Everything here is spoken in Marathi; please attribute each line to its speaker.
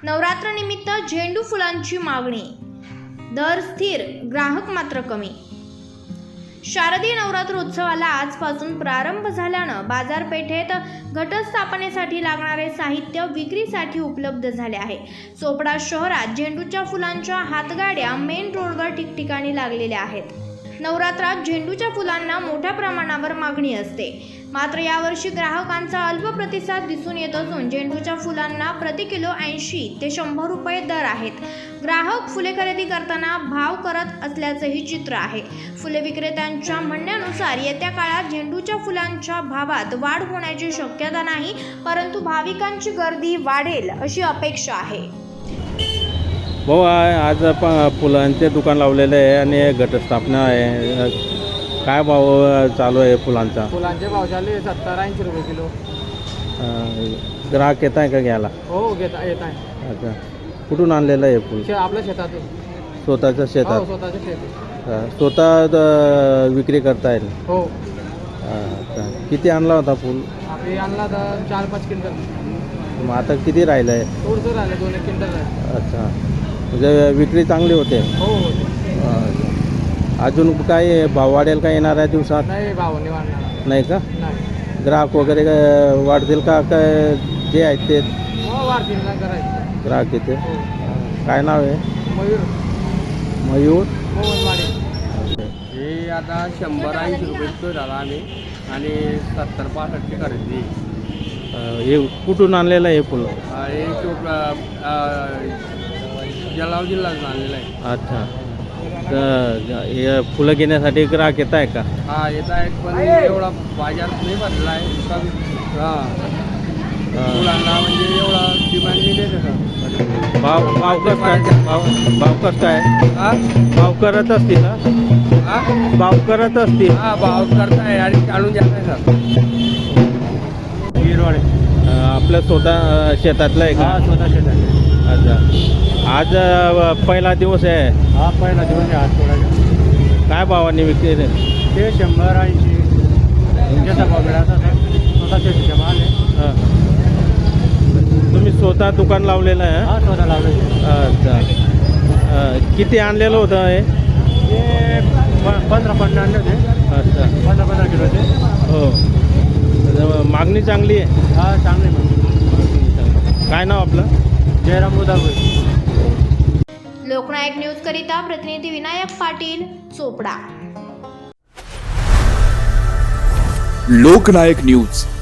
Speaker 1: नवरात्रनिमित्त झेंडू फुलांची मागणी, दर स्थिर, ग्राहक मात्र कमी। शारदीय नवरात्र उत्सवाला आजपासून प्रारंभ झाल्यानं बाजारपेठेत घटस्थापनेसाठी लागणारे साहित्य विक्रीसाठी उपलब्ध झाले आहे। चोपडा शहरात झेंडूच्या फुलांच्या हातगाड्या मेन रोडवर ठिकठिकाणी लागलेल्या आहेत। नवरात्रात झेंडूच्या फुलांना मोठ्या प्रमाणावर मागणी असते, मात्र यावर्षी ग्राहकांचा अल्प प्रतिसाद दिसून येत असून झेंडूच्या फुलांना प्रति किलो 80 ते 100 रुपये दर आहेत। ग्राहक फुले खरेदी करताना भाव करत असल्याचंही चित्र आहे। फुले विक्रेत्यांच्या म्हणण्यानुसार येत्या काळात झेंडूच्या फुलांच्या भावात वाढ होण्याची शक्यता नाही, परंतु भाविकांची गर्दी वाढेल अशी अपेक्षा आहे।
Speaker 2: भाऊ, आज फुलांचे दुकान लावलेले आहे आणि घटस्थापना आहे। काय भाव चालू आहे फुलांचा?
Speaker 3: फुलांचे भाव चालू आहे 70-80 रुपये किलो।
Speaker 2: ग्राहक येत आहे का घ्यायला?
Speaker 3: हो, येत आहे।
Speaker 2: अच्छा, कुठून आणलेलं आहे फुल?
Speaker 3: आपल्या शेतातून।
Speaker 2: स्वतःच्या शेतात?
Speaker 3: हो, स्वतःच्या शेतात।
Speaker 2: स्वतः विक्री करता येईल?
Speaker 3: हो।
Speaker 2: अच्छा, किती आणला होता फुल?
Speaker 3: आम्ही आणला तर 4-5 क्विंटल।
Speaker 2: मग आता किती राहिलं आहे?
Speaker 3: थोडंसं राहिलं, 2-1 क्विंटल राहिलं।
Speaker 2: अच्छा, म्हणजे विक्री चांगली होते?
Speaker 3: हो।
Speaker 2: अजून काय भाव वाढेल का येणाऱ्या दिवसात?
Speaker 3: नाही, भाव नाही वाढणार।
Speaker 2: नाही का?
Speaker 3: नाही।
Speaker 2: ग्राहक वगैरे वाढतील का? काय जे आहेत ते?
Speaker 3: हो, वाढतील ना करायचं।
Speaker 2: ग्राहक येते? काय नाव आहे?
Speaker 3: मयूर।
Speaker 2: मयूर
Speaker 3: मोहनवाडी। हे आता 100-80 रुपये किलो झाला आम्ही, आणि 70-65 खरेदी।
Speaker 2: हे कुठून आणलेलं आहे फुलं?
Speaker 3: हे जळगाव जिल्ह्यातून आणलेलं आहे।
Speaker 2: अच्छा, तर हे फुलं घेण्यासाठी ग्राहक येत आहे का?
Speaker 3: हा, येत आहेत, पण एवढा बाजार नाही भरलेला आहे। फुलांना म्हणजे एवढा डिमांड नाही देत सर।
Speaker 2: भाव कसं काय? भाव कसं काय? भाव करत असतील ना? भाव करत असतील?
Speaker 3: हा, भाव करताय आणि आणून जात आहे सर। गिरवाडे
Speaker 2: आपलं स्वतः शेतातलं आहे का?
Speaker 3: हा, स्वतः शेतात।
Speaker 2: अच्छा, आज पहिला दिवस आहे?
Speaker 3: हा, पहिला दिवस आहे आज थोडा।
Speaker 2: काय भावाने विक्री?
Speaker 3: ते 100-80 जसा भाव मिळाला सर, स्वतः शेतीच्या माल आहे।
Speaker 2: हां, तुम्ही स्वतः दुकान लावलेलं आहे?
Speaker 3: हा, स्वतः लावलं।
Speaker 2: अच्छा, किती आणलेलं होतं हे?
Speaker 3: 15 आणले होते।
Speaker 2: अच्छा,
Speaker 3: 15 किलो होते।
Speaker 2: हो, मागणी चांगली आहे?
Speaker 3: हा, चांगली मग।
Speaker 2: काय नाव आपलं?
Speaker 3: जयराम मुदागुळे।
Speaker 1: लोकनायक न्यूज करिता प्रतिनिधी विनायक पाटील, चोपडा।
Speaker 4: लोकनायक न्यूज